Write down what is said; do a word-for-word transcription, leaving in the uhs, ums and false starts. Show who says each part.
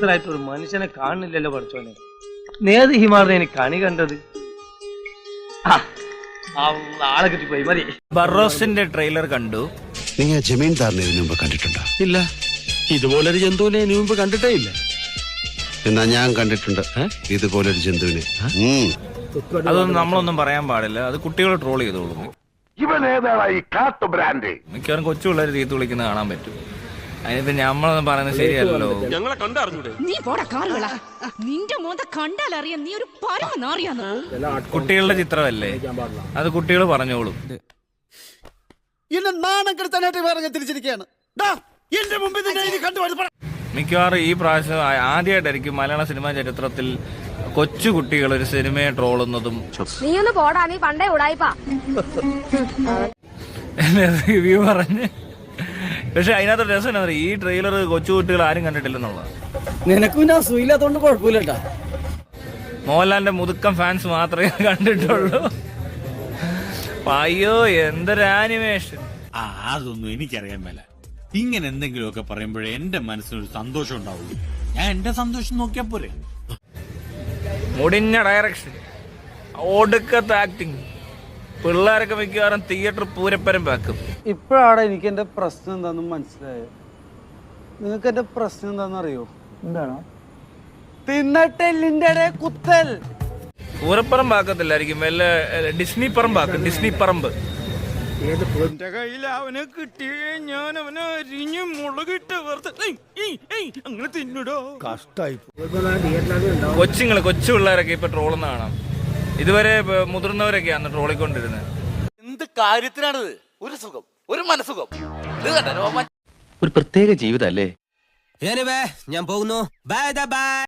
Speaker 1: സ്വസ്ഥരായിട്ട് ഒരു മനുഷ്യനെ കാണുന്നില്ലല്ലോ പഠിച്ചോനെ. നേത് ഹിമാറിനെ എനിക്ക് കണി കണ്ടത്. ആളെ കിട്ടിപ്പോയി മതി.
Speaker 2: ബറോസിന്റെ ട്രെയിലർ കണ്ടു.
Speaker 3: നിങ്ങൾ ജമീൻദാറിനെ ഇതിനു മുമ്പ് കണ്ടിട്ടുണ്ടോ?
Speaker 4: ഇല്ല, ഇതുപോലൊരു ജന്തുവിനെ ഇതിനു മുമ്പ് കണ്ടിട്ടേ ഇല്ല.
Speaker 3: എന്നാ ഞാൻ കണ്ടിട്ടുണ്ട് ഇതുപോലൊരു ജന്തുവിനെ.
Speaker 2: അതൊന്നും നമ്മളൊന്നും പറയാൻ പാടില്ല, അത് കുട്ടികൾ ട്രോൾ ചെയ്തോളൂ. മിക്കവാറും കൊച്ചു പിള്ളേർ തീർത്ത് വിളിക്കുന്നത് കാണാൻ പറ്റും. അതിനിപ്പോ നമ്മളൊന്നും പറയുന്നത് ശരിയല്ലോ. കുട്ടികളുടെ ചിത്രമല്ലേ, അത് കുട്ടികൾ പറഞ്ഞോളും. മിക്കവാറും ഈ പ്രാവശ്യം ആദ്യമായിട്ടായിരിക്കും മലയാള സിനിമാ ചരിത്രത്തിൽ കൊച്ചു കുട്ടികൾ ഒരു സിനിമയെ ട്രോളുന്നതും റിവ്യൂ പറഞ്ഞ്. പക്ഷെ അതിനകത്ത് രസം എന്താ പറയുക, ഈ ട്രെയിലർ കൊച്ചു കുട്ടികൾ ആരും കണ്ടിട്ടില്ലെന്നുള്ളത്.
Speaker 5: നിനക്ക് പിന്നെ അസുഖമില്ലാത്തോണ്ട് കുഴപ്പമില്ലട്ടാ.
Speaker 2: മോഹൻലാലിന്റെ മുതുക്കം ഫാൻസ് മാത്രമേ കണ്ടിട്ടുള്ളൂ. അയ്യോ എന്തൊരു ആനിമേഷൻ.
Speaker 6: ആ അതൊന്നും എനിക്കറിയാൻ മേല. ഇങ്ങനെ എന്തെങ്കിലുമൊക്കെ പറയുമ്പോഴേ എന്റെ മനസ്സിനൊരു സന്തോഷം ഉണ്ടാവുള്ളൂ. ഞാൻ എന്റെ സന്തോഷം നോക്കിയാ പോരെ.
Speaker 2: മുടിഞ്ഞ ഡയറക്ഷൻ, ഒടുക്കത്തെ ആക്ടിങ്, പിള്ളേരൊക്കെ മിക്കവാറും തിയേറ്റർ പൂരപ്പരം വെക്കും.
Speaker 5: ഇപ്പോഴാണ് എനിക്ക് എന്റെ പ്രശ്നം എന്താണെന്ന് മനസ്സിലായത്. നിങ്ങൾക്ക് എന്റെ പ്രശ്നം എന്താണെന്ന് അറിയോ? എന്താണ്? തിന്നട്ടെല്ലിന്റെ കുത്തൽ.
Speaker 2: പൂരപ്പറമ്പ് ആക്കത്തില്ലായിരിക്കും, വല്ല ഡിസ്നി പറമ്പാക്കും. ഡിസ്നി പറമ്പ്.
Speaker 4: എന്റെ കയ്യിൽ അവനെ കിട്ടിയേ ഞാൻ അവനെ അരിഞ്ഞ് മുളകിട്ട് അങ്ങനെ തിന്നിടോ. കഷ്ടായി.
Speaker 2: കൊച്ചുങ്ങള് കൊച്ചു പിള്ളേരൊക്കെ ഇപ്പൊ ട്രോളുന്ന കാണാം. ഇതുവരെ മുതിർന്നവരൊക്കെയാണ് ട്രോളിക്കൊണ്ടിരുന്നത്.
Speaker 7: എന്ത് കാര്യത്തിനാണിത്? ഒരു സുഖം, ഒരു മനസുഖം.
Speaker 1: ഒരു പ്രത്യേക ജീവിതം അല്ലേ?
Speaker 5: ഞാൻ പോകുന്നു. Bye by.